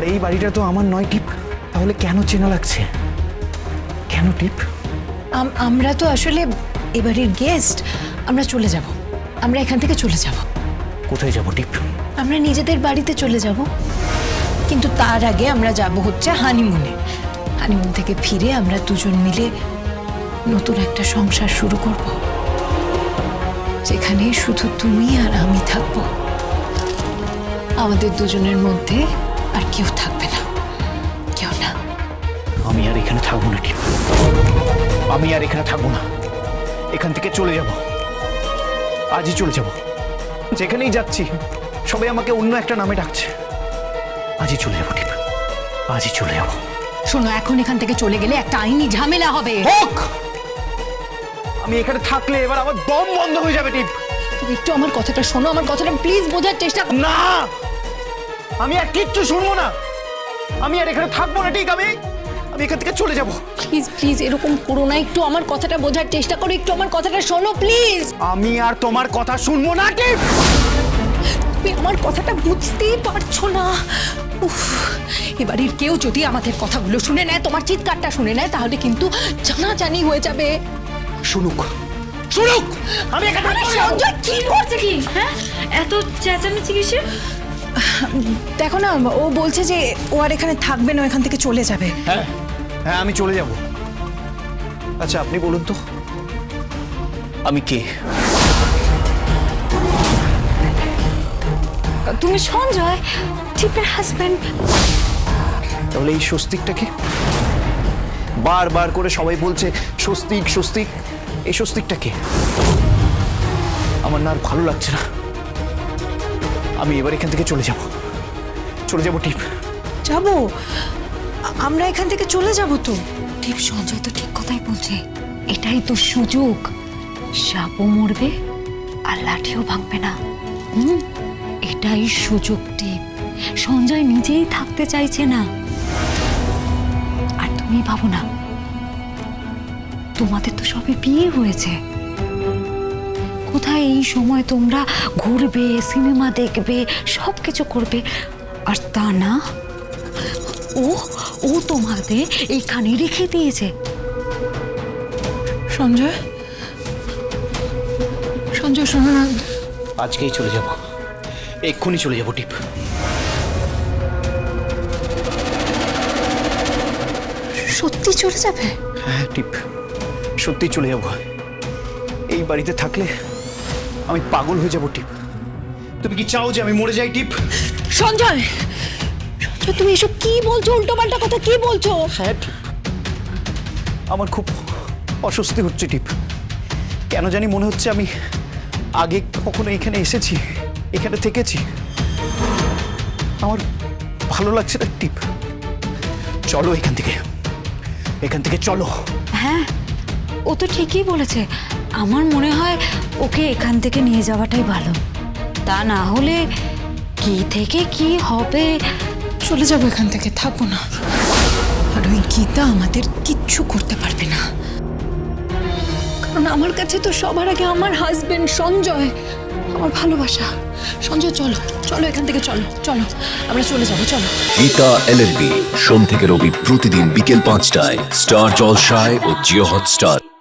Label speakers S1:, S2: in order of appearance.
S1: আর এই বাড়িটা তো আমার নয় টিপ, তাহলে কেন চেনা লাগছে? কেন টিপ?
S2: আমরা তো আসলে এবারের গেস্ট, আমরা চলে যাব, আমরা এখান থেকে চলে যাব।
S1: কোথায় যাব টিপ?
S2: আমরা নিজেদের বাড়িতে চলে যাব, কিন্তু তার আগে আমরা যাব হচ্ছে হানিমুনে। হানিমুন থেকে ফিরে আমরা দুজন মিলে নতুন একটা সংসার শুরু করব, যেখানে শুধু তুমি আর আমি থাকব। আমাদের দুজনের মধ্যে আর কেউ থাকবে না, কেউ না।
S1: আমি আর এখানে থাকবো না টিপ, আমি আর এখানে থাকবো না। এখান থেকে চলে যাব, আজই চলে যাব। যেখানেই যাচ্ছি সবাই আমাকে অন্য একটা নামে ডাকছে। আজই চলে যাবো টিপ, আজই চলে যাব।
S2: শোনো, এখন এখান থেকে চলে গেলে একটা আইনি ঝামেলা হবে।
S1: হোক, আমি এখানে থাকলে এবার আমার দম বন্ধ হয়ে যাবে টিপ।
S2: তুমি একটু আমার কথাটা শোনো, আমার কথাটা প্লিজ বোঝার চেষ্টা করো।
S1: না, আমি আর কিচ্ছু শুনবো না। আমি আর এখানে থাকবো না ঠিক। আমি এখান থেকে চলে যাব।
S2: প্লিজ প্লিজ এরকম করো না, একটু আমার কথাটা বোঝার চেষ্টা করো, একটু আমার কথাটা শোনো প্লিজ।
S1: আমি আর তোমার কথা শুনবো না টিপ।
S2: তুমি আমার কথাটা বুঝতেই পারছো না। উফ, এবারের কেউ যদি আমাদের কথাগুলো শুনে নেয়, তোমার চিৎকারটা শুনে নেয়, তাহলে কিন্তু জানাজানি হয়ে যাবে।
S1: শুনুক, শুনুক, আমি এখানে থাকবো না।
S2: সঞ্জয় কি করছে কি?
S3: হ্যাঁ, এত চেঁচামেচি কিসের?
S2: দেখো না, ও বলছে যে ও আর এখানে থাকবে না, এখান থেকে চলে যাবে।
S1: হ্যাঁ হ্যাঁ, আমি চলে যাব। আচ্ছা আপনি বলুন তো, আমি কে?
S3: তুমি সঞ্জয়, টিপের হাজবেন্ড।
S1: তাহলে এই স্বস্তিকটাকে বারবার করে সবাই বলছে স্বস্তিক স্বস্তিক, এই স্বস্তিকটাকে আমার না আর ভালো লাগছে না। আমি এবার এখান থেকে চলে যাব, চলে যাব টিপ।
S2: যাবো, আমরা এখান থেকে চলে যাব তো।
S3: টিপ, সঞ্জয় তো ঠিক কথাই বলছে, এটাই তো সুযোগ। সাপও মরবে আর লাঠিও ভাঙবে না। এটাই সুযোগ টিপ। সঞ্জয় নিজেই থাকতে চাইছে না। আর তুমি ভাবো না, তোমাদের তো সবে বিয়ে হয়েছে। কোথায় এই সময় তোমরা ঘুরবে, সিনেমা দেখবে, সব কিছু করবে। আর তা না, ও ও তোমাদের এইখানে রেখে দিয়েছে।
S2: সঞ্জয়, সঞ্জয় শোনো না,
S1: আজকেই চলে যাব, এক্ষুনি চলে যাব টিপ।
S2: সত্যি চলে যাবে?
S1: হ্যাঁ টিপ, সত্যি চলে যাব। এই বাড়িতে থাকলে আমি পাগল হয়ে যাব টিপ। তুমি কি চাও যে আমি মরে যাই টিপ?
S2: সঞ্জয়, সঞ্জয় তুমি এসব কি বলছো? উল্টোপাল্টা কথা কি বলছো?
S1: হ্যাঁ টিপ, আমার খুব অস্বস্তি হচ্ছে টিপ। কেন জানি মনে হচ্ছে আমি আগে কখনো এখানে এসেছি, এখানে থেকেছি। আমার ভালো লাগছে না টিপ। চলো এখান থেকে, এখান থেকে চলো।
S3: হ্যাঁ, ও তো ঠিকই বলেছে। আমার মনে হয় ওকে এখান থেকে নিয়ে যাওয়াটাই ভালো। তা না হলে কি থেকে কি হবে।
S2: চলে যাবো এখান থেকে, থাকবো না। আর ওই গীতা আমাদের কিচ্ছু করতে পারবে না, কারণ আমার কাছে তো সবার আগে আমার হাজবেন্ড সঞ্জয়, আমার ভালোবাসা। সঞ্জয় চলো, চলো এখান থেকে, চলো চলো, আমরা চলে যাবো, চলো।
S4: গীতা LLB সোম থেকে রবি প্রতিদিন বিকেল 5টায় স্টার জলসায় ও জিও হটস্টার।